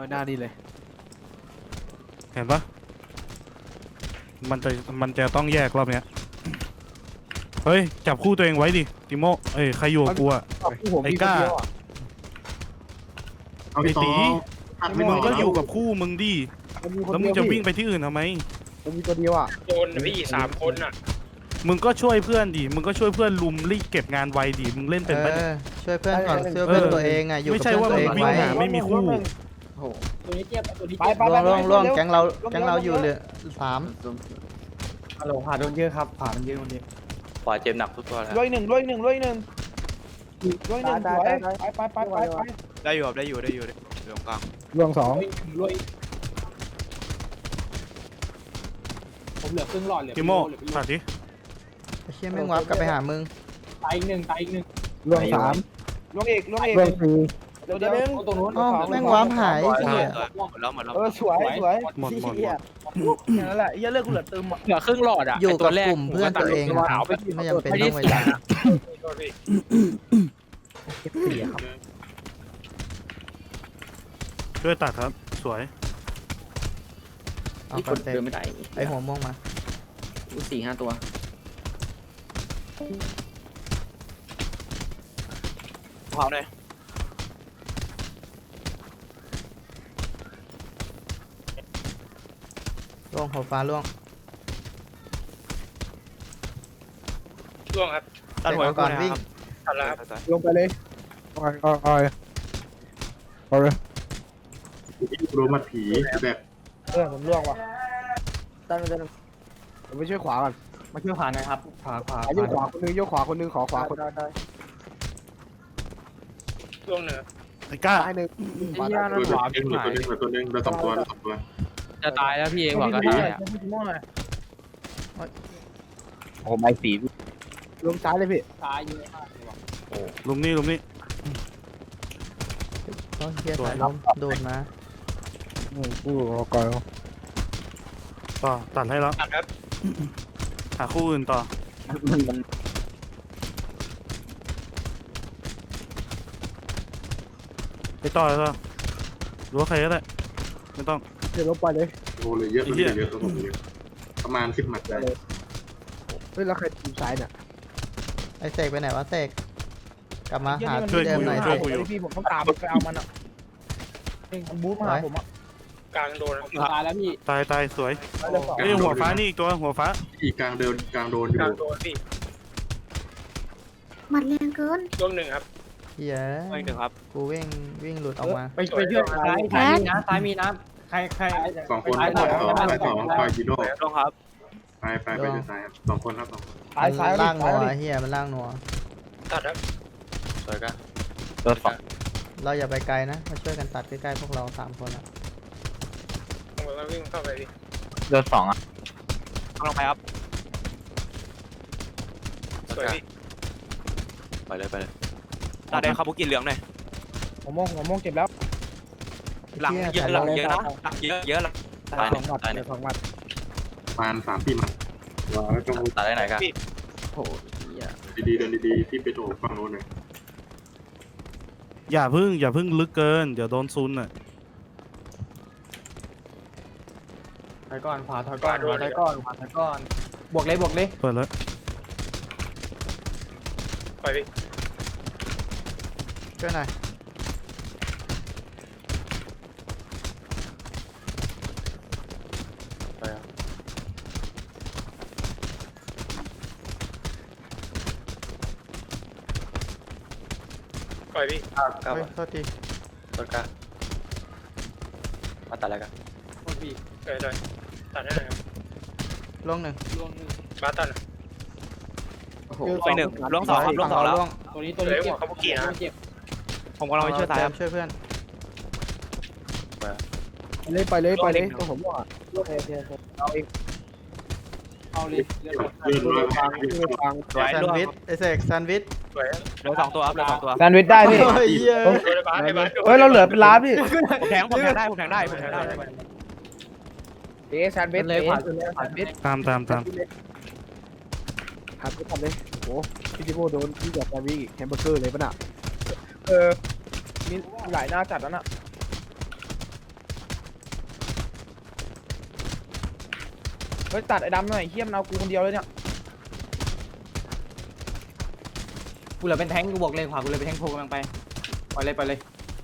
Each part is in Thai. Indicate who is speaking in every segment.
Speaker 1: เอาหน้านี่เลย
Speaker 2: เห็นปะมันจะต้องแยกรอบเนี้ยเฮ้ยจับคู่ตัวเองไว้ดิติโมเอ้ยใครอยู่กับกูอะไอ้ก้า
Speaker 3: เอา
Speaker 2: ไอ้
Speaker 3: พี่ต่
Speaker 2: ตี
Speaker 3: อไม่
Speaker 2: มึง
Speaker 3: ต่
Speaker 2: ก็
Speaker 3: อ
Speaker 2: อยู่กับคู่มึงดิแล้วมึงจะวิ่งไปที่อื่นทำไม
Speaker 1: มันมีตัวเดียวอ่ะ
Speaker 4: โดนพี่3 คนอ่ะ
Speaker 2: มึงก็ช่วยเพื่อนดิมึงก็ช่วยเพื่อนลุมรีบเก็บงานไวดิมึงเล่นเป็นปะเนี่ย
Speaker 5: ช่วยเพื่อนก่อนช่วยเพื่อนตัวเองอ่ะอยู่
Speaker 2: ไม่
Speaker 5: กับ
Speaker 2: ใช่
Speaker 5: เพื่อน
Speaker 2: ว่า
Speaker 5: ตัว
Speaker 2: มึ
Speaker 5: เอง ง
Speaker 2: วิ่ง
Speaker 5: ไว้
Speaker 2: หาไม่มีคู่
Speaker 6: ตัวนี้เจ็บตัวนี้
Speaker 1: ไป
Speaker 6: เจ็บ
Speaker 1: ไป
Speaker 5: ล่วงแก๊งเราอยู่เหลือ3
Speaker 1: ฮัลโหลผ่าโดนเยอะครับผ่ามันเยอะคนนี้
Speaker 7: ขวาเจ็บหนักทุกตัวแล้ว
Speaker 1: ร้อยหนึ่งสวยไป
Speaker 7: ได้อยู่ครับได้อยู่ตรงกลาง
Speaker 1: รวง2
Speaker 6: ผมเหลือครึ่งหลอดเหลือ
Speaker 2: ติโมตัดดิ
Speaker 5: ไอ้เชี่ยแม่งวับกลับไปหามึง
Speaker 6: ตายอีกหนึ่ง
Speaker 1: รวง3รวงเอกรวง4เดี๋ยวนึง
Speaker 6: ตรงนู้น
Speaker 5: อ้าวแม่งวับหาย
Speaker 7: หมด
Speaker 5: เหี้ย
Speaker 7: แล้วหมดแล้ว
Speaker 1: สวย
Speaker 2: หมด
Speaker 1: นั่นแหละอย่าเลิกกูเหลือเติม
Speaker 4: เหลือครึ่งหลอดอ่ะ
Speaker 5: อยู่กับกลุ่มเพื่อนตัวเองอะ
Speaker 4: ขาวไป
Speaker 5: ไม่จำเป็นต้องไปด่า
Speaker 2: ช่วยตัดครับสวย
Speaker 5: เอาคอนเซ็ปต์ไอ้หัวม่วงมา
Speaker 7: 4-5 ตัว
Speaker 4: ขาวเลย
Speaker 5: ล่วงหัวฟ้าล่วง
Speaker 4: ร่วงครับ
Speaker 5: ตัดหัวก่อนวิ่ง
Speaker 4: ตัดแล้วครับ
Speaker 1: ลงไปเลยเอาเลย
Speaker 3: รู้มัดผีแบบ
Speaker 1: ผมล่วงว่ะตั้งผมไปช่วยขวาก่อนมาช่วยขวาหน่อยครับขวาโยกขวาคนนึงโยกขวาคนนึงขอขวาคนได้
Speaker 4: ร่วงเหนือ
Speaker 2: ไอ้ก้า
Speaker 1: ซ้ายหนึ่งขวา
Speaker 3: เหลือตัวนึงเหลือ2 ตัวเหลือ2 ตัว
Speaker 4: จะตายแล้วพี่เองหวังก็ตายอ่ะ
Speaker 1: โอ้ไม่สีลงซ้ายเลยพี่
Speaker 6: ตายเยอะมาก
Speaker 2: ลุมนี่
Speaker 5: ก็เฮียสายลมโดดมา
Speaker 1: กูก่อน
Speaker 2: ต่อตัดให้แล้ว
Speaker 4: ตัดครับ
Speaker 2: หาคู่อื่นต่อไปต่อเลยต่อหรือว่าใครก็ได้ไม่ต้อง
Speaker 1: เดี๋ยวลงไปเลย
Speaker 3: โอ้เลยเยอะเลยเยอะประมาณ10 หมัดได้
Speaker 1: เฮ้ยแล้วใครทีมซ้ายเนี่ย
Speaker 5: ไอ้เสกไปไหนวะเสกกลับมาหา
Speaker 2: ช่วย
Speaker 5: ที่เดิม
Speaker 2: กู
Speaker 5: หน่อย
Speaker 2: ช่
Speaker 5: สิ
Speaker 2: วยกูอยู่
Speaker 1: พี่ผมต้องตามไปเอามันอ่ะมันบู๊มาหาผมอ่ะ
Speaker 4: กลางโดน
Speaker 6: ตายแล้วพี่
Speaker 2: ตายสวยเอ้ยหัวฟ้านี่อีกตัวหัวฟ้า
Speaker 3: อีกกลางโดนอยู่
Speaker 4: กลางโดนพี่
Speaker 8: หมัดแรงเกิน
Speaker 4: ร่วงหนึ่งครับ
Speaker 5: เฮีย
Speaker 4: ไม่ถึงครับ
Speaker 5: กูวิ่งหลุดออกมา
Speaker 6: ไปช่วยซ้ายมีนะซ้ายมีนะใคร
Speaker 3: 2 คนไป2ไปจีโน่
Speaker 4: ร่วงครับ
Speaker 3: ไปเดินซ้ายครับ2 คนครับ2 คน
Speaker 5: มันล่างนัวเฮียมันล่างนัว
Speaker 4: ตัดครับ
Speaker 7: สวยกัน
Speaker 5: เราอย่าไปไกลนะมาช่วยกันตัดใกล้ๆพวกเรา3 คนอะ
Speaker 4: ผมก็วิ่งเข้าไปพี่
Speaker 7: เดือด2อ่ะ
Speaker 4: ลงไปครับสวยพี่
Speaker 7: ไปเลย
Speaker 4: ตาแดงคาบุกิเหลืองหน่อย
Speaker 1: ผมมองเจ็บแล้ว
Speaker 4: หลังเยอะหลังเยอะนะหลังเยอะหลัง
Speaker 7: ตาย
Speaker 1: 2 หมัด
Speaker 7: ตาย
Speaker 1: เดี๋ยว2 หมัด
Speaker 3: ประมาณ3-4 หมัดว้าแล้วต้อง
Speaker 7: ตายได้ไหนกัน
Speaker 5: โอ้ย
Speaker 3: ดีๆเดินดีๆที่ไปโถฝั่งโน้นเลย
Speaker 2: อย่าพึ่งลึกเกินเดี๋ยวโดนซุนอ่ะ
Speaker 6: ถอยก่อนขวาถอยก่อนบวกเลย
Speaker 2: เปิดแล้ว
Speaker 4: ไปพี่
Speaker 5: ช่วยหน่อย
Speaker 4: ไปพี่
Speaker 7: ก้าว
Speaker 5: เฮ้ยโทษที
Speaker 7: ต้นกล้ามาตัดอะไรกัน
Speaker 4: พี่เลยตัดให้หน่อยครับ
Speaker 5: ล่วง1
Speaker 4: บ้าตัด
Speaker 1: ไป1
Speaker 4: ร่วง2ครับร่วง2แล้ว
Speaker 6: ตัวนี้เจ็บ
Speaker 4: คาบุกินะ
Speaker 6: เจ็บ
Speaker 4: ผมกำลังไปช่วยตายครับ
Speaker 5: ช่วยเพื่อน
Speaker 1: ไปเลยตัวผมว่าเอาเอง
Speaker 6: เอาเลย
Speaker 3: เลื่อนร้อย
Speaker 1: ฟัง
Speaker 4: สวย
Speaker 5: แซน
Speaker 4: ร่วง
Speaker 5: ด์วิชไอ้เสกแซนด์วิช
Speaker 4: สวยเหลือ2 ตัวครับเหลือ2 ตัว
Speaker 1: แซนด์วิชได้พี่
Speaker 5: เฮ้ยเหี้ย
Speaker 1: เฮ้ยเราเหลือเป็นล้านพี่
Speaker 4: ผมแทงได้
Speaker 1: แซนด์วิชเลยขวาสุดเลยแซนด์วิช
Speaker 2: ตาม
Speaker 1: ครับทำเลยโอ้พี่จิโก้โดนพี่กับแซนด์วิชแฮมเบอร์เกอร์เลยป่ะน่ะมีหลายหน้าจัดแล้วน่ะเฮ้ยตัดไอ้ดำหน่อยเฮี้ยมนเอากูคนเดียวเลยเนี่ย
Speaker 6: กูเหลือเป็นแทงกูบอกเลยขวากูเลยเป็นแทงโผล่กำลังไปไปเลยไปเลย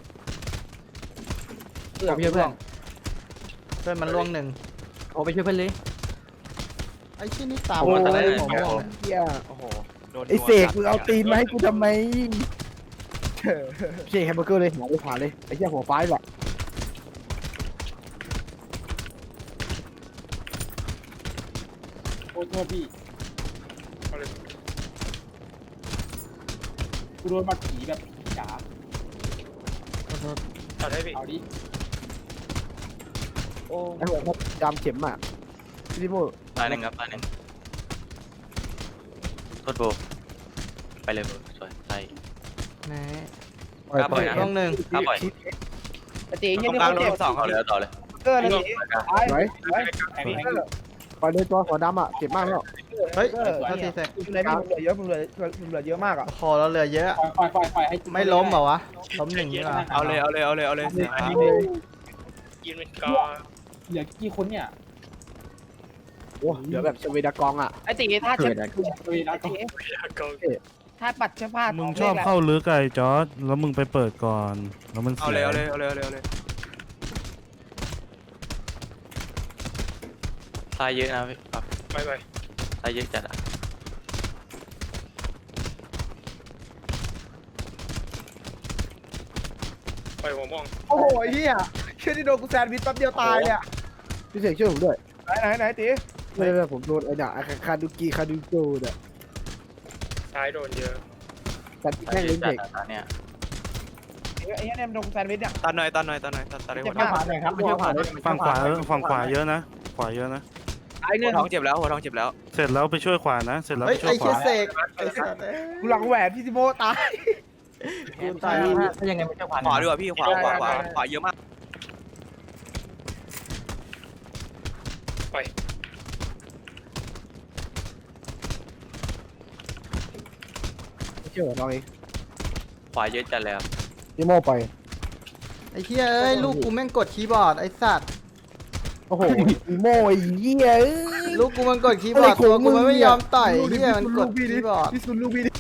Speaker 1: เพื่อนเพื่อน
Speaker 5: เพื่อนมันล่วงหนึ่ง
Speaker 6: โอ้ไปช่วยเพื่อนเลย
Speaker 5: ไอ้ชี้นี่ตาม
Speaker 1: โอ้
Speaker 5: มาแต่ได้
Speaker 1: ย
Speaker 5: ผมม่วงเนี่ย
Speaker 1: เฮี้ย
Speaker 4: โอ้โหโดน
Speaker 1: ไอ้เสกมึงเอาตีนมาให้กูทำไมเสกแฮมเบอร์เกอร์เลยหัวไปขวาเลยไอ้เหี้ยหัวฟ้าหรอก
Speaker 6: โอ้โทษพี่กูโดนมาผีแบบจ๋า
Speaker 4: ตัดให้พี่
Speaker 6: เอาดิ โอ้
Speaker 1: ไอ้หัวดำเข็มอ่ะพี่โม่
Speaker 7: ตายหนึ่งครับตายหนึ่งโทษโบไปเลยโบสวยใช่
Speaker 5: แหน่
Speaker 7: ครับปล่อยนะ
Speaker 5: ล่วงหนึ่ง
Speaker 7: ครับปล่อย
Speaker 1: ไอ้ตีเฮี้ย
Speaker 4: ตรง
Speaker 1: นี่
Speaker 4: กลาง
Speaker 1: เขา
Speaker 4: โด
Speaker 1: เจ็บ
Speaker 4: นสอง
Speaker 7: ต่อเลยต่อเลย
Speaker 1: เกอร์เลยไอ้ไว้
Speaker 6: แทงแทง
Speaker 1: ปล่อยเลยตัวหัวดำอ่ะเจ็บมากแล้ว
Speaker 5: เฮ้ยเท่าทีเสร็จ
Speaker 1: มึงเลยมึงเหลือเยอะมึงเหลือเยอะมากอ่ะ
Speaker 5: โอ้โหเราเหลือเยอะ
Speaker 6: ปล่อยให้
Speaker 5: ไม่ล้มเหรอวะ ล้มหนึ่งนี่หรอ
Speaker 4: เอาเลยเอาเลยเอาเลยเอาเลย
Speaker 6: กินเป็นกอเหลือกี่คนเนี่ย
Speaker 1: โอ้เหลือแบบสวีดากองอ่ะ
Speaker 8: ไอ้ตีถ้าเช็ด
Speaker 6: เวลาก็
Speaker 8: ถ้าปัดเสื้อผ้า
Speaker 2: มึงชอบเข้าลึกไอ้จอร์ดแล้วมึงไปเปิดก่อนแล้วมัน
Speaker 4: เอา
Speaker 2: เสี
Speaker 4: เลย
Speaker 2: ย
Speaker 4: เอาเลยเอาเลยเอาเลยเอาเลย
Speaker 7: ตายเยอะนะพี่ครับ
Speaker 4: ไปไป
Speaker 7: ตายเยอะจัดอ่ะ
Speaker 4: ไปหัวม่วง
Speaker 1: โอ้โหเฮี้ยเชื่อที่โดนกูแซนด์วิชแป๊บเดียวตายเนี่ยพี่เสกช่วยผมด้วยไหนตีไม่ผมโดนไอ้เนี่ยคาดูโกเนี่ย
Speaker 4: ซ้ายโดนเยอะ
Speaker 1: แต่ที่
Speaker 7: ตาย
Speaker 1: แค่
Speaker 7: เย
Speaker 1: เล่
Speaker 7: อะ
Speaker 1: น
Speaker 7: จั
Speaker 1: เด็
Speaker 7: ด
Speaker 1: ก
Speaker 7: อ่ะเนี่ย
Speaker 8: ไอ้เนี่ยมันโดนแซนด์วิชเนี่ย
Speaker 4: ตัดหน่อยตัดหน่อยตัดหน่อยตัดได้หัว
Speaker 6: ไม่ผ่านเลยครับไม่ผ่านเลย
Speaker 2: ฝั่งขวาเยอะนะขวาเยอะนะ
Speaker 8: ไอ้เนี่ย
Speaker 4: ท้องเจ็บแล้วหัวท้องเจ็บแล้ว
Speaker 2: เสร็จแล้วไปช่วยขวานะ เสร็จแล้ว
Speaker 5: เฮ้
Speaker 2: ไป
Speaker 5: ย
Speaker 2: ช่ว
Speaker 5: ไอ้
Speaker 2: ยข
Speaker 5: เชี่
Speaker 2: วาย
Speaker 5: เสกไอ้สัตว์
Speaker 1: กูหลังแหวนพี่ซิโมตาย
Speaker 5: กูตาย
Speaker 6: ถ้ายังไงไม่ใช่ผ่าน
Speaker 4: ขวาดีกว่าพี่ขวาขวาเยอะมาก
Speaker 1: ไม่เชื่อเราเอง
Speaker 7: ขวาเยอะจัดเลยครับ
Speaker 1: ซิโมไป
Speaker 5: ไอ้เชี่ยเอ้ยลูกกูแม่งกดคีย์บอร์ดไอ้สัตว์
Speaker 1: โอ้โหซิโมไอ้เหี้ย
Speaker 5: ลูกกูมันกดคีย์บอร์ดตัวกูมันไม่ยอมต่อยเหี้ยมันกดคีย์บอร์ด
Speaker 1: พี่ซุนลูกพี่ดิ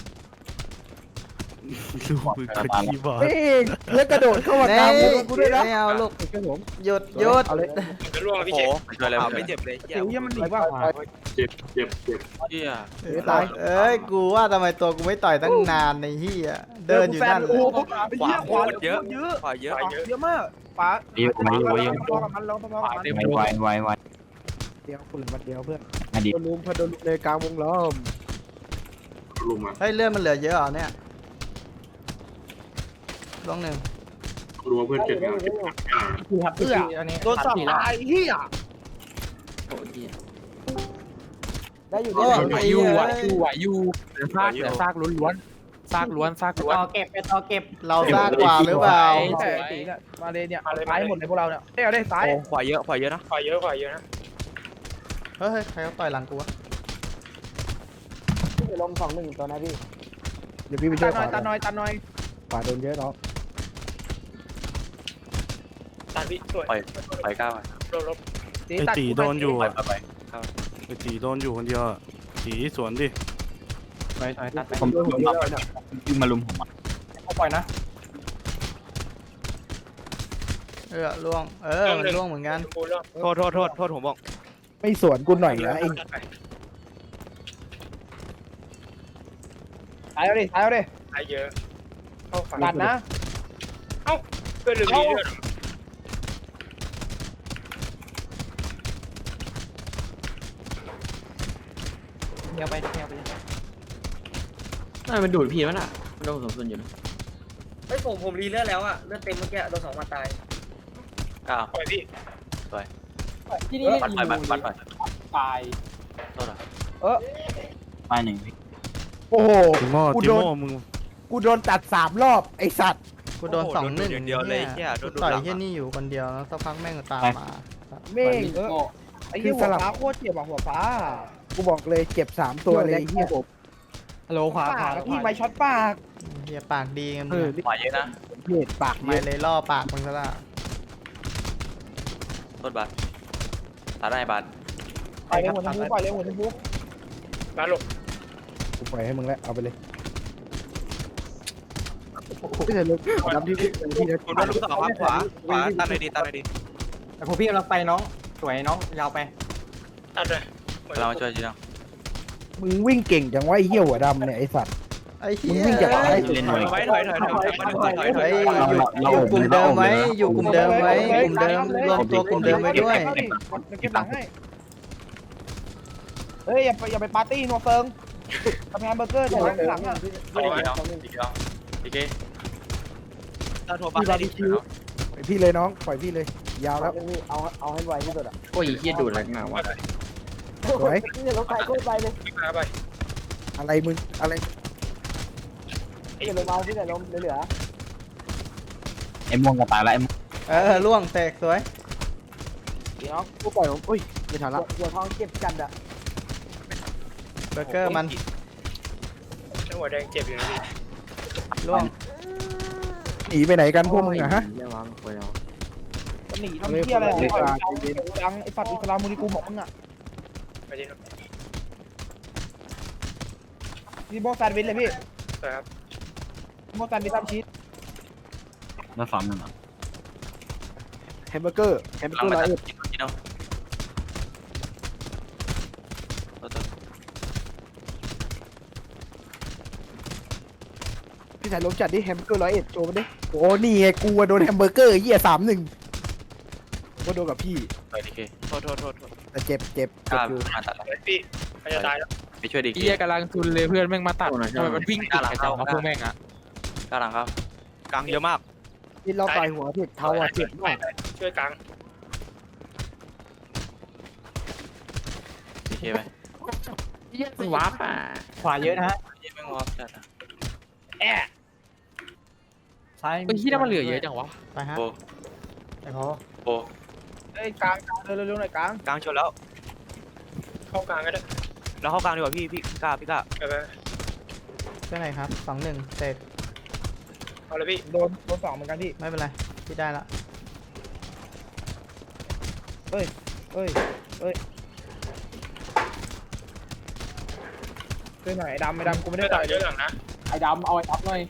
Speaker 2: ลูกมือกดคีย์บอร์ด
Speaker 1: เฮ้ยแล้วกระโดดเข้ามากลางวงกูด้วยนะ
Speaker 5: ไม่เอาลูก
Speaker 1: ช่วยผม
Speaker 5: หยุด
Speaker 1: เอาเลย
Speaker 4: จะร่วงพี่เจ็บ
Speaker 7: ช่วยเลย
Speaker 4: ไม่เจ็บเลย
Speaker 1: เดี๋ยวยังมันหนีว่าขวา
Speaker 3: เจ็บ
Speaker 7: เฮีย
Speaker 1: ตาย
Speaker 5: เอ้ยกูว่าทำไมตัวกูไม่ต่อยตั้งนานในเหี้ยเดินอยู่นั่นเลย
Speaker 4: ขวาโคตรเยอะขวาเยอะ
Speaker 1: เยอะมากป๋าพอกับมันเราพอกับมัน
Speaker 7: ไว
Speaker 1: เดียวคุณมันเดียวเพื่อน
Speaker 7: อดีต
Speaker 1: โดนลุมพอโดนลุมในกลางวงล้อม
Speaker 3: ลุมมา
Speaker 5: เฮ้ยเลือดมันเหลือเยอะเหรอเนี่ยล่วงหนึ่ง
Speaker 3: รัวเพื่อนเจ็บงาน
Speaker 6: คือครับคืออันนี้
Speaker 1: โดนสับตายเฮีย
Speaker 6: โอ้ย
Speaker 1: ได้อยู่
Speaker 5: โอ้
Speaker 1: ได้
Speaker 5: ไอ้
Speaker 1: อยู่
Speaker 5: เหี้ย
Speaker 6: ไหวอยู่เหลือซากล้วนซากล้วนต่อเก็บไปต่อเก็บ
Speaker 5: เราซากกว่าหรือเปล่า
Speaker 1: แต่ตีเนี่ยมาเลยเนี่ยซ้ายหมดเลยพวกเราเนี่ยเอาได้ซ้าย
Speaker 4: ขวาเยอะขวาเยอะนะขวาเยอะขวาเยอะนะ
Speaker 5: เฮ้ยใครเขาต่อยหลังกูวะ
Speaker 1: ลม2-1ตัวนะพี่เดี๋ยวพี่ไปช่วยขวาตัดน้อยขวาโดนเยอะเนาะ
Speaker 4: ตัดพี่สวย
Speaker 7: ไปก้าว
Speaker 2: ไอ้ตีโดนอยู่
Speaker 7: ไป
Speaker 2: อะ
Speaker 7: ไป
Speaker 2: ไอ้ตีโดนอยู่คนเดียวอะตีสวนดิ
Speaker 6: ไปตัดไป
Speaker 1: ผมโดนหัวเยอะเนี่ย
Speaker 7: วิ่งมาลุมผม
Speaker 6: เขาปล่อยนะ
Speaker 5: ล่วงมันล่วงเหมือนกัน
Speaker 4: โทษผมบอก
Speaker 1: ไม่สวนกูหน่อยนะไอ้ซ้ายเอาดิ
Speaker 4: ขวาเยอะเข้าขวา
Speaker 1: ตัดนะ
Speaker 4: เพื่อนลืมดีด้วย
Speaker 6: เดี๋ยวไป
Speaker 9: น่ามันดูดพี่มันอ่ะมันโดนสมส่วนอยู่นะ
Speaker 8: ไอ้ผมรีเลือดแล้วอ่ะเลือดเต็มเมื่อกี้โดน2 มาตาย
Speaker 7: ก้าว
Speaker 4: ปล่อยพี่
Speaker 6: ที่นี่
Speaker 7: ปัดไปปัดไป
Speaker 6: ตาย
Speaker 7: โทษนะไปหนึ่ง
Speaker 1: โอ้โห
Speaker 2: ติโม่
Speaker 1: กู
Speaker 2: ติ
Speaker 1: โดน
Speaker 2: โม่มึง
Speaker 1: กูโดนตัด3 รอบไอ้สัตว์
Speaker 5: กูโดน2-1
Speaker 4: เดียวเลยแค่โดน
Speaker 5: ต่อยแค่นี้อยู่คนเดียวแล้วสักพักแม่งตามมา
Speaker 1: เม่งไอ้เหี้ยหัวฟ้าโคตรเจ็บอ่ะหัวฟ้ากูบอกเลยเจ็บ3 ตัวเลยไอ้เหี้ยผม
Speaker 6: ฮัลโหลขวา
Speaker 1: ปากพี่ไปช็อตปาก
Speaker 5: เฮียปากดีกัน
Speaker 7: ขวาเยอะนะ
Speaker 1: เห็ดปาก
Speaker 5: ไม่เลยล่อปากมึงซะละ
Speaker 7: โทษบัตรตัดได้บัตร
Speaker 1: ไปเลยหัวชมพูไปเลยหัวชมพู
Speaker 6: มาหลบ
Speaker 1: กูปล่อยให้มึงแล้วเอาไปเลยพี่ใส่ลูกดำที่พี่นะ
Speaker 4: คุณโดนลูกสองครับขวาตันเลยดีตันเลยดี
Speaker 6: แต่พอพี่กำลังไปน้องสวยน้องยาวไปตัดเลย
Speaker 7: เรามาช่วยจีน้อง
Speaker 1: มึงวิ่งเก่งจังวะไอ้เหี้ยหัวดำเนี่ยไอ้สัตว์
Speaker 5: ไอ้
Speaker 1: มึ
Speaker 5: เหี้
Speaker 1: ง
Speaker 5: ย
Speaker 1: วิ่งจากไหน
Speaker 4: ถอยถอย
Speaker 5: เฮ้ยอยู่กลุ่มเดิมไว้อยู่กลุ่มเดิมไว้กลุ่มเดิมรวมตัวกลุ่มเดิมไว้ด้วย
Speaker 1: เก็บหลังให้เฮ้ยอย่าไปปาร์ตี้นัวเฟิงทำงานเบอร์เกอร์แต่หลังอ่ะ
Speaker 7: เอาดีน้องดีน้องดีเก้
Speaker 4: ตันโทร
Speaker 1: พี่
Speaker 4: ปา
Speaker 1: บาร์บีคิวปล่อยพี่เลยน้องปล่อยพี่เลยยาวแล้วเอาให้ไวที่สุดอ่ะ
Speaker 9: โอ้ยเฮียดูดอะไรมาวะ
Speaker 1: สวย
Speaker 6: รถไฟก็ไปเลยมาไป
Speaker 1: อะไรมึงอะไร
Speaker 6: อย่าลงเอาพี่แต่ลมเหลือ
Speaker 7: ไอ้ม่วงก็ตายแล้วไอ้
Speaker 5: ล่วงแตกสวย
Speaker 1: น้องกูปล่อยผมอุ้ยไม่ทันละ
Speaker 6: หัวทองเก็บกันอะ
Speaker 5: เบอร์เกอร์มัน
Speaker 6: หัวแดงเจ็บอยู่นะพี่
Speaker 5: ล่วง
Speaker 1: หนีไปไหนกันพวกมึงอะฮะ
Speaker 9: เรียกว่าคุยเอา
Speaker 1: หนีทำเที่ยอะไรดังไอ้ปัดอิสลามมูนิกูบอกมึงอ่ะ
Speaker 6: ไปดิ
Speaker 1: นี่โบแซนด์วิชเลยพี่
Speaker 6: ครับ
Speaker 1: โบแซนด์วิชตามชีส
Speaker 7: มาซ้อมหนึ่งเหรอ
Speaker 1: แฮมเบอร์เกอร์
Speaker 7: หลัง
Speaker 1: ร้
Speaker 7: มา
Speaker 1: อย
Speaker 7: ตัด
Speaker 1: เอ็ด
Speaker 7: จีน้อง
Speaker 1: พี่สายลมจัดดิแฮมเบอร์เกอร์101โชว์มันดิโอ้นี่ไงกูโดนแฮมเบอร์เกอร์เหี้ย31ก็โดนกับพี่
Speaker 7: ไปดีเก้
Speaker 4: โทษ
Speaker 1: แต่เจ็บ
Speaker 7: กล้ามาตัด
Speaker 6: พี่เขาจะตายแล้ว
Speaker 7: ไปช่วยดี
Speaker 10: เฮี
Speaker 7: เก้
Speaker 10: ยกำลังทุนเลยเพื่อนแม่งมาตัด
Speaker 9: โอ้ย
Speaker 10: ทำไมมันวิ่งติดกันจังวะพวกแม่งอะ
Speaker 7: กล้าหลังครับ
Speaker 4: กลางเยอะมาก
Speaker 1: นี่เราต่อยหัวผิดเท้าอ่ะเจ็บมาก
Speaker 6: ช่วยกลาง
Speaker 7: ดีเก้ไป
Speaker 9: วาร์ปอ่ะ
Speaker 6: ขวาเยอะนะฮะ
Speaker 7: ยี่แม่งวอล์กจัดอ่ะ
Speaker 6: ซ้าย
Speaker 10: ไอ้ที่นั่นมันเหลือเยอะจังวะ
Speaker 5: ไปฮะ
Speaker 7: โป
Speaker 6: ไอ้พอ
Speaker 7: โป
Speaker 1: เอ้ยกลางเร็วๆหน่อยกลาง
Speaker 4: กลางชนแล้ว
Speaker 6: เข้ากลางก็ได้
Speaker 4: เราเข้ากลางดีกว่าพี่กล้า
Speaker 6: ไป
Speaker 5: เท่าไหร่ครับ2-1เสร็จ
Speaker 6: เอาเลยพี่
Speaker 1: โดน2เหมือนกันพี่
Speaker 5: ไม่เป็นไรพี่ได้ละ
Speaker 1: เอ้ยช่วยหน่อยไอ้ดำกูไม่
Speaker 6: ไม่
Speaker 1: ได้
Speaker 6: ได้
Speaker 1: ต่
Speaker 6: ต่
Speaker 1: อ
Speaker 6: อย ยเยอะหลังนะ
Speaker 1: ไอ้ดำเอาไอ้ดำหน่อย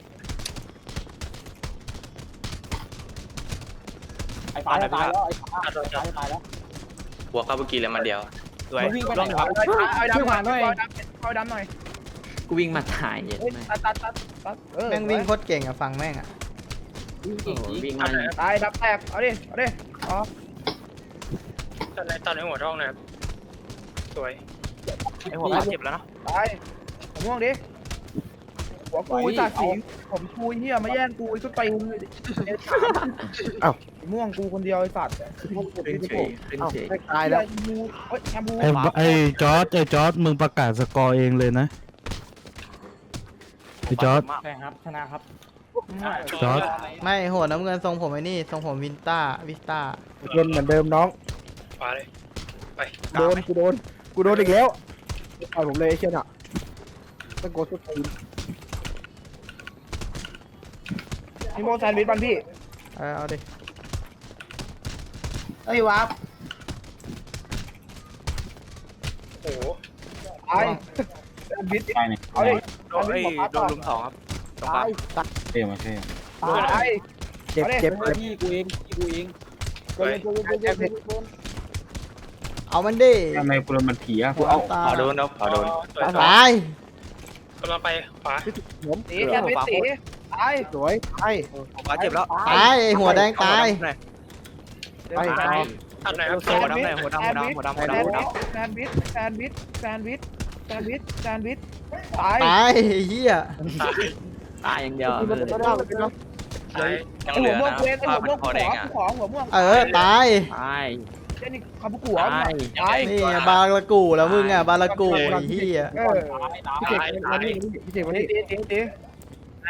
Speaker 1: ไอ้ตายแล้วไอ้
Speaker 6: ตัดโดนจับ
Speaker 1: ตายแล้ว
Speaker 7: บวกเข้าเมื่อกี้เลยมันเดียว
Speaker 4: สวย
Speaker 1: วิ่งไปไหนวะไอ้ดำหน่อยเอาดำหน่อย
Speaker 9: กูวิ่งมาถ่ายเย็น
Speaker 1: เฮ้ย
Speaker 9: ไหม
Speaker 1: ตัด
Speaker 5: แม่งวิ่งโคตรเก่งอะฟังแม่งอะ
Speaker 9: โอ้โหวิ่งมา
Speaker 1: ตายดับแตกเอาดิอ๋อ
Speaker 6: ตัดในหัวท้องนะครับสวย
Speaker 4: ไอหัวขาเจ็บแล้วนะ
Speaker 1: ตายผมม่วงดิหัวกูจ่าสีผมกูเหี้ยมาแย่งกูไอ้ชุดไปอ้าวม่วงกูคนเดียวไอ้สัตว์
Speaker 9: ขึ้นเฉยขึ้นเฉย
Speaker 1: ตายแล้วเฮ้ยแฮมบู
Speaker 2: ไอ้จอร์ดมึงประกาศสกอร์เองเลยนะไอ้จอร์ด
Speaker 6: ใช่ครับชนะครับ
Speaker 2: จอร์ด
Speaker 5: ไม่หัวน้ำเงินทรงผมไอ้นี่ทรงผมวิสต้า
Speaker 1: โดนเหมือนเดิมน้อง
Speaker 6: ขวาเลยไป
Speaker 1: กูโดนอีกแล้วต่อยผมเลยไอ้เชี่ยน่ะต้องโกดสุดทีมนี่โมแซนด์วิชบ้านพี่
Speaker 5: เอาดิ
Speaker 1: เฮ้ยวาร์ป
Speaker 6: โอ้โห
Speaker 1: ตายแซนด์วิช
Speaker 7: ไปเนี่ย
Speaker 1: เอาดิ
Speaker 4: โดนโดนลุมสองครับตรงกลา
Speaker 1: ตาง ย
Speaker 7: เท่มาเท่
Speaker 1: ตายเจ็บ
Speaker 6: พี่กูเองสวย
Speaker 5: เอามันดิ
Speaker 7: ทำไมกูโดนมันผีอ่ะกูเอาขอโดนเอาขอโดน
Speaker 5: ตาย
Speaker 6: กำลังไปขวา
Speaker 1: ผมตีแซนด์วิชตีตายสวยตาย
Speaker 4: หัวขาเจ็บแล้ว
Speaker 5: ตายไอ้หัวแดงตาย
Speaker 1: ไป
Speaker 6: ตัดไหนครับ
Speaker 4: หัวดำหัวดำ
Speaker 1: แซนด์วิชตาย
Speaker 5: ตายไอ้เหี้ย
Speaker 9: ตายอย่างเดียว
Speaker 6: ตาย
Speaker 7: ยัง
Speaker 1: หั
Speaker 7: เหลื
Speaker 1: ว
Speaker 7: อ
Speaker 1: ม่วง
Speaker 7: นะ
Speaker 1: เว้น
Speaker 7: ภาพ
Speaker 1: หัวม่วง
Speaker 7: คอแดงอ่ะ
Speaker 1: หัวม่วง
Speaker 5: ตาย
Speaker 9: ตาย
Speaker 1: นี่คาบุกุหัว
Speaker 9: ตาย
Speaker 1: ตาย
Speaker 5: นี่บาลากูแล้วมึงอะบาลากูไอ้เหี้ย
Speaker 1: พี่เจ๋งวันนี้พี่เจ๋งวันนี้ตี
Speaker 9: ตาย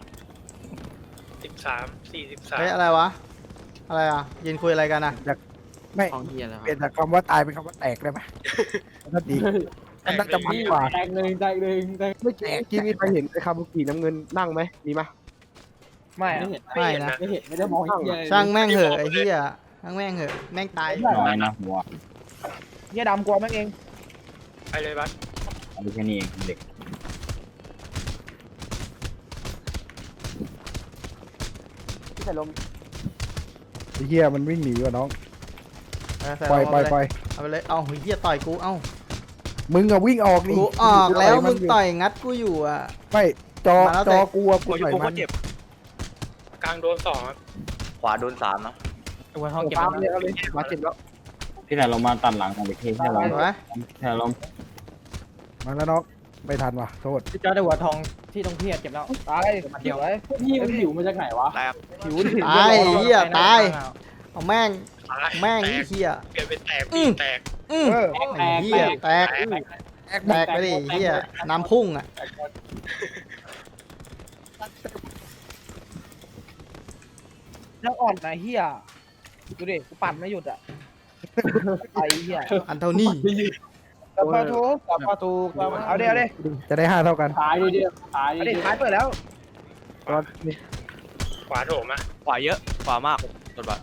Speaker 6: 43
Speaker 5: เฮ้ยอะไรวะอะไรอ่ะยืนคุยอะไรกันอะ
Speaker 1: ไม่
Speaker 9: ของเฮียแล้ว
Speaker 1: เปลี่ยนจากคำว่าตายเป็นคำว่าแตกได้ไหมน่าดีมันน่าจะมันกว่า
Speaker 6: แตกเลย
Speaker 1: ไม่แตกที่มีใครเห็นไอ้คาบุกิน้ำเงินนั่งไหมมีไหมไม่
Speaker 5: ไม่นะ
Speaker 1: ไม่ได้มอง
Speaker 5: ช่างแม่งเหอะไอ้เหี้ยช่างแม่งเหอะแม่งตาย
Speaker 7: น้อยนะหัว
Speaker 1: เนี่ยดำกลัวแม่งเอง
Speaker 4: ไปเลยบัส
Speaker 7: เอาแค่นี้เองเด็ก
Speaker 1: พี่ใส่ลมไอ้เหี้ยมันวิ่งหนีว่ะน้อง
Speaker 5: ใส่
Speaker 1: ปล่อย
Speaker 5: ลง
Speaker 1: ปล่อยปล่อย
Speaker 5: เอาไปเลยเอาเฮียต่อยกูเอ้า
Speaker 1: มึงอะวิ่งออกดิ
Speaker 5: กูออกแล้วมึง
Speaker 1: ยู่
Speaker 5: ต่อยงัดกูอยู่อ่ะ
Speaker 1: ไม่จอ
Speaker 5: มาแล้ว
Speaker 1: จอกูอะกู
Speaker 4: หัวอยู่
Speaker 1: ต่อย
Speaker 4: กู
Speaker 1: มัน
Speaker 4: เจ็บกลางโดน2ครับ
Speaker 7: ขวาโดน3นะ
Speaker 6: ตัวห้องเก็บ
Speaker 1: ตามเลยเอาเลยมาเจ็บแล้ว
Speaker 7: พี่แต่เรามาตัดหลังของเด็กที่ให้เรา
Speaker 5: เห็นไหม
Speaker 7: ให้เรา
Speaker 1: มาแล้วน้องไม่ทันว่ะโทษ
Speaker 6: พี่จอได้หัวทองที่ต้องเพียรเก็บแล้ว
Speaker 1: ตาย
Speaker 6: เดี๋ยวพี่มันหิวมาจากไหนวะ
Speaker 4: แตก
Speaker 1: หิวดิ
Speaker 5: ตายเฮียตายเอาแม่งแม่ง
Speaker 4: แต
Speaker 5: ไอ้
Speaker 4: ก
Speaker 5: เฮีย
Speaker 4: เปลี่ยนเป็นแตกปีแตก
Speaker 1: เออ
Speaker 5: ไอ้เฮียแตกแตกไปดิเฮียน้ำพุ่งอ่ะ
Speaker 1: แล้วอ่อนนะเฮียดูดิกูปั่นไม่หยุดอ่ะไอ้เฮีย
Speaker 5: อันเท่านี้
Speaker 1: กับประตูเอาเดี๋ยวดิจะได้5เท่ากัน
Speaker 6: ตายดิเดียวตาย
Speaker 1: เอา
Speaker 6: ดิ
Speaker 1: ดิท้ายเปิดแล้ว
Speaker 4: ขวาโถมอะขวาเยอะขวามากกดบัส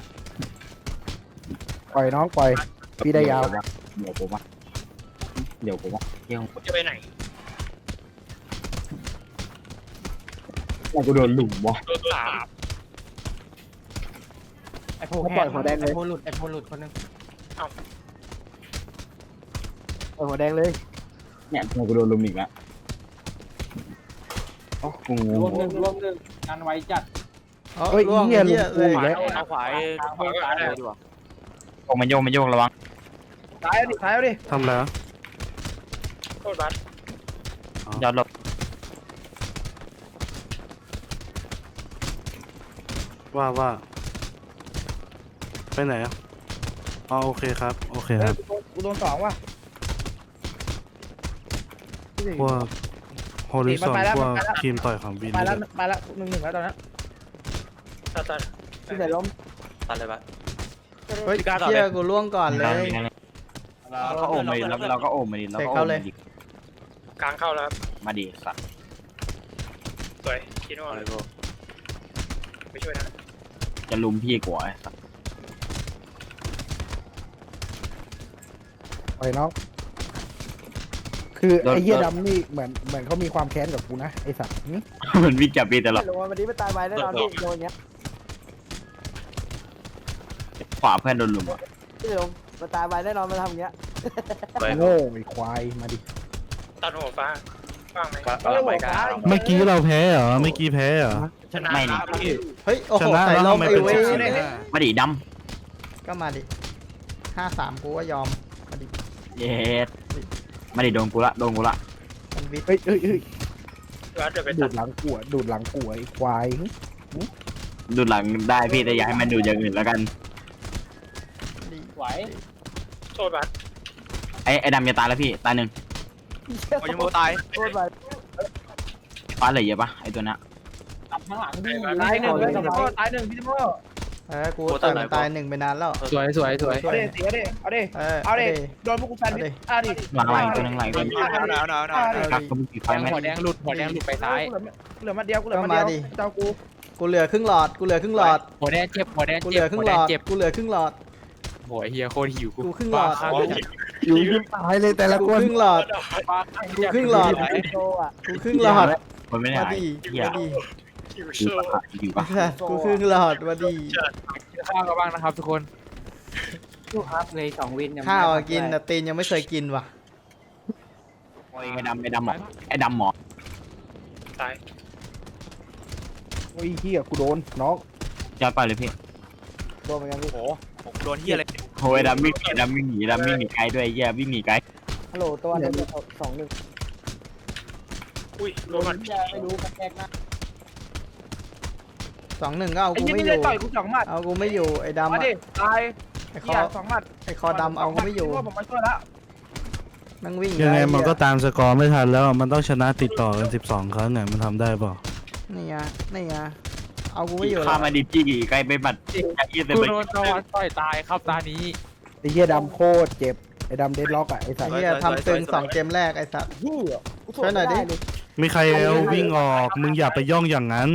Speaker 1: ปล่อยน้องปล่อยพี่ได้ยาว
Speaker 7: เดี๋ยวผมว่าเดี๋ยวผมว่าเที่ยง
Speaker 4: จะไปไหน
Speaker 7: กูโดนหลุมวะ
Speaker 4: โดน3
Speaker 6: ไอ้โพแห้งไอ้โพหลุดไอ้โพหลุดคนนึง
Speaker 1: ปล่อยหัวแดงเลย
Speaker 7: เนี่ยกูโดนหลุมอีกแล้วอ๋อกูง
Speaker 6: รวม
Speaker 7: ง
Speaker 6: หนึ่งกันไว้จัด
Speaker 1: เฮ้ย
Speaker 5: ล่วง
Speaker 1: เฮีย
Speaker 5: เฮีย
Speaker 1: ลุ
Speaker 5: เลย
Speaker 1: งแล้ว
Speaker 4: เอาขวาขวาก็ได้ดีกว่า
Speaker 7: มันโยกระวัง
Speaker 1: ท้ายเอาดิท้ายเอาดิ
Speaker 2: ทำแล้ว
Speaker 4: โทษบัส
Speaker 7: ยอดลบ
Speaker 2: ว่าไปไหนอ่ะอ๋อโอเคครับโอเค
Speaker 1: เอ
Speaker 2: ค
Speaker 1: อ
Speaker 2: รับ
Speaker 1: กูโดน2ว่ะ
Speaker 2: พวกฮอริซอน
Speaker 1: ไปแล้ว
Speaker 2: พวก
Speaker 1: ไปแล้ว
Speaker 2: ทีมต่อยของวิน
Speaker 1: ไป
Speaker 2: นี่
Speaker 1: แล้ว
Speaker 2: แหละ
Speaker 1: ไปแล้ว1-1แล้วตอนนั้น
Speaker 4: ตัด
Speaker 1: พี่ใส่ลม
Speaker 7: ตัดเลยปะ
Speaker 5: เฮ้ยเฮียกูล่วงก่อนเลย
Speaker 7: เราก็โอมมาดิเราก็โอมมาดิเราก็โอมมาดิ
Speaker 4: กลางเข้าแล้วครับ
Speaker 7: มาดิสัตว์
Speaker 4: สวยคิดว่าเลยไปช่วยนะ
Speaker 7: จะลุมพี่กว่าไอ้สัตว์
Speaker 1: ปล่อยน้องคือไอ้เหี้ยดำนี่เหมือนเขามีความแค้นกับกูนะไอ้สัตว์
Speaker 7: มันวิ่งจับพี่ตลอด
Speaker 1: ลงมาวันนี้ไม่ตายไปแน่นอนพี่โดนเนี้ย
Speaker 7: ขวาเพื่อนโดนลุมอ่ะ
Speaker 1: พี่ลงมาตายไปแน่นอนมาทำอย่างเงี้ย
Speaker 7: ไป
Speaker 1: โง่ไอ้ควายมาดิ
Speaker 4: ตัดหัวฟ้าว่างไหม
Speaker 7: ไปกัน
Speaker 2: เมื่อกี้เราแพ้เหรอเมื่อกี้แพ้เหรอ
Speaker 4: ชนะ
Speaker 7: ไม่นี่
Speaker 4: พี่
Speaker 5: เฮ้ยโอ้โห
Speaker 2: ชนะ
Speaker 5: ใส่
Speaker 2: แล้ว
Speaker 5: ล
Speaker 2: ทำ
Speaker 5: ม
Speaker 2: ไม
Speaker 5: ไอ้
Speaker 2: เป็น
Speaker 5: เว้ย
Speaker 7: มาดิด
Speaker 5: ก็มาดิ5-3กูก็ยอมมาดิ
Speaker 7: ำเย็ดมาดิโดนกูละ
Speaker 5: มันวิท
Speaker 1: เฮ้ย
Speaker 4: บัสเดี๋ยวไป
Speaker 1: ดู
Speaker 4: ตัด
Speaker 1: ดหลังกูอะดูดหลังกูไอ้ควาย
Speaker 7: ดูหลังได้พี่แต่อย่าให้มันดูอย่างอื่นแล้วกัน
Speaker 6: ไหว
Speaker 4: โทษบัส
Speaker 7: ไอ้ดำจะตายแล้วพี่ตายหนึ่ง
Speaker 4: โอ้ยยังโมตาย
Speaker 1: โคตรไป
Speaker 7: ฟ้าเหลือเยอะปะไอ้ตัวนั้น
Speaker 6: ตับข้างหลังพี่
Speaker 1: ตายหนึ่งเลยพี่โม่ตายหนึ่งพี่โม่
Speaker 5: กูต่อยมันตาย1ไปนานแล้ว
Speaker 10: สวย
Speaker 1: เอาดิเสียดิเอาดิ เอาดิโดนพวกกูแฟนดิเอาดิ
Speaker 7: หลังตัวนึงหลังตัวนึง
Speaker 4: หนาว
Speaker 7: ครับก็มีกี่ไฟไหม
Speaker 10: หัวแดงหลุดไปซ้าย
Speaker 1: เหลือมาเดียวเจ้ากู
Speaker 5: กูเหลือครึ่งหลอด
Speaker 10: หัวแดงเจ็บ
Speaker 5: กูเหลือครึ่งหลอด กูเหลือครึ่งหลอด
Speaker 10: โหเฮียโคตรหิว
Speaker 5: กูครึ่งหลอด
Speaker 1: อยู่ยิ้มตายเลยแต่ละ
Speaker 5: กู
Speaker 1: คน
Speaker 5: ครึ่งหลอด กูครึ่งหลอด
Speaker 1: โตอ่ะ
Speaker 5: กูครึ่งหลอด
Speaker 7: คนไม่ได้
Speaker 5: มา
Speaker 7: หาย
Speaker 5: ดิ
Speaker 7: เหี้ย
Speaker 5: มาดิ
Speaker 4: คิว
Speaker 7: อ
Speaker 4: โช
Speaker 7: ยู่
Speaker 4: ว์
Speaker 7: ปะอยู่ปะ
Speaker 5: กูครึ่งหลอดมาดิ
Speaker 10: กินข้าวกันบ้างนะครับทุกคน
Speaker 9: ลูกครับเลย2 วิน
Speaker 5: ข้าวอะกินแต่ตีนยังไม่เคยกินว่ะ
Speaker 7: ไอ้ดำหมอไอ้ดำหมอ
Speaker 4: ตาย
Speaker 1: โอ้ยเฮียกูโดนน้อง
Speaker 7: ยอดไปเลยพี่
Speaker 1: โดนเหมือนกันพี่
Speaker 4: โอ้ผมโดนเฮียอะไร
Speaker 7: โอ้ยดำวิ่งหนีไกลด้วยเหี้ยวิ่งหนีไกล
Speaker 1: ฮัลโหลตัวนึง2-1
Speaker 4: อุ้ยโดนมัน
Speaker 6: ไม่รู้กันแกนะ
Speaker 5: 2-1ก็เอา
Speaker 1: ไอ้
Speaker 5: กู
Speaker 1: ยี่
Speaker 5: ไม่
Speaker 1: นี่
Speaker 5: อ
Speaker 1: เลย
Speaker 5: ยู่
Speaker 1: ต่อยกู2 หมัด
Speaker 5: เอากูไม่อยู่ไอ้ดำ
Speaker 1: มา
Speaker 5: อะ
Speaker 1: ดิตาย
Speaker 5: ไอ้ค
Speaker 1: เฮี
Speaker 5: อย
Speaker 1: 2 หมัด
Speaker 5: ไอ้คอดำเอากูไม่อยู่
Speaker 1: ผมมาช่วยแล้ว
Speaker 5: นั่งวิ่ง
Speaker 2: ยังไง
Speaker 5: อ้
Speaker 2: มัน
Speaker 5: เหี้
Speaker 2: ก็ตามสกอร์ไม่ทันแล้วมันต้องชนะติดต่อกัน12 ครั้งเนี่ยมันทำได้เปล่า
Speaker 5: นี่ไงนี่ไงเอากูไม่อยู่
Speaker 7: ข้า
Speaker 5: แล้ว
Speaker 7: มาดิจี้ไกลไปบัดยี่สิบ
Speaker 10: กู
Speaker 7: ไป
Speaker 10: โดนตอนต่อยตายครับตานี้
Speaker 1: ไอ้เฮียดำโคตรเจ็บไอ้ดำเดดล็อกอ่ะไอ้สัต
Speaker 5: ไอ้
Speaker 1: ว์
Speaker 5: เหี้ยทำตึง2 เกมแรกไอ้สัตว์
Speaker 1: เฮีย
Speaker 5: ช่วยหน่อยดิ
Speaker 2: มีใครเอาวิ่งออกมึงอย่าไปย่องอย่างนั้น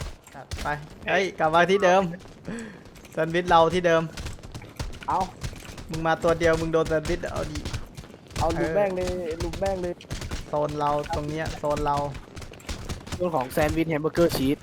Speaker 5: ไปเฮ้ยกลับมาที่เดิมแซนด์วิชเราที่เดิม
Speaker 1: เอา
Speaker 5: มึงมาตัวเดียวมึงโดนแซนด์วิชเอาดิ
Speaker 1: เอาลูกแม่งเลยลูกแม่งเลย
Speaker 5: โซนเราตรงเนี้ยโซนเรา
Speaker 1: เรื่องของแซนด์วิชแฮมเบอร์เกอร์ชีส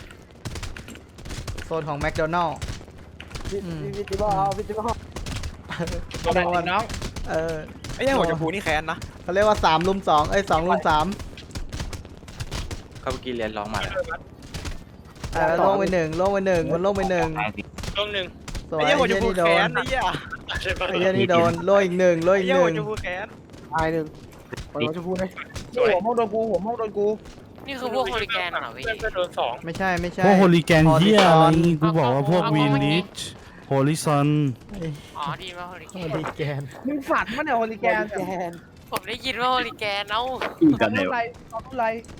Speaker 5: โซนของแมคโดนัลล์
Speaker 1: วิจิบอลวิจิบอล
Speaker 4: ตัวนั้นน้อง
Speaker 5: เออ
Speaker 6: ไอ้ยังหัวจะพูนี่แค้นนะ
Speaker 5: เขาเรียกว่า3 ลุม 2เอ้ย2 ลุม 3
Speaker 7: เขาเมื่อกี้เรียนร้องมาแล้ว
Speaker 5: ลงไปหนึ่งมันลงไปหนึ่ง
Speaker 7: ตายสิ
Speaker 4: ช่วงหนึ่ง
Speaker 5: สวยไอ้เหี้ยนี่โดน
Speaker 6: ไอ้เหี้ย
Speaker 5: ไอ้เหี้ยนี่โดนโลอีกหนึ่ง
Speaker 6: ไอ้เหี้ยหัวจะพูแค้น
Speaker 1: ตายหนึ่งปล่อยเราจะพูดเลย
Speaker 4: สวย
Speaker 1: หัวห้องโดนกูหัวห้องโดนกู
Speaker 10: นี่คือพวกโฮลิแกนเหรอพี่
Speaker 4: เพื่อนก็โดนสอง
Speaker 5: ไม่ใช่
Speaker 2: พวกโฮลิแกนเฮียอะไรกูบอกว่าพวกวีนิชโฮลิซอน
Speaker 10: อ๋อดีว่าโฮลิแก
Speaker 5: โฮ
Speaker 10: น
Speaker 5: ลิแกน
Speaker 1: มึงฝันมั้ยเนี่ยโฮลิแกน
Speaker 10: ผมได้ยินว่าโฮลิแกนเอ้า
Speaker 7: อยู่
Speaker 1: ต
Speaker 7: กั
Speaker 1: อน น
Speaker 7: ไหน
Speaker 1: นู้น
Speaker 7: วะ
Speaker 1: ไรตอนนู้นไร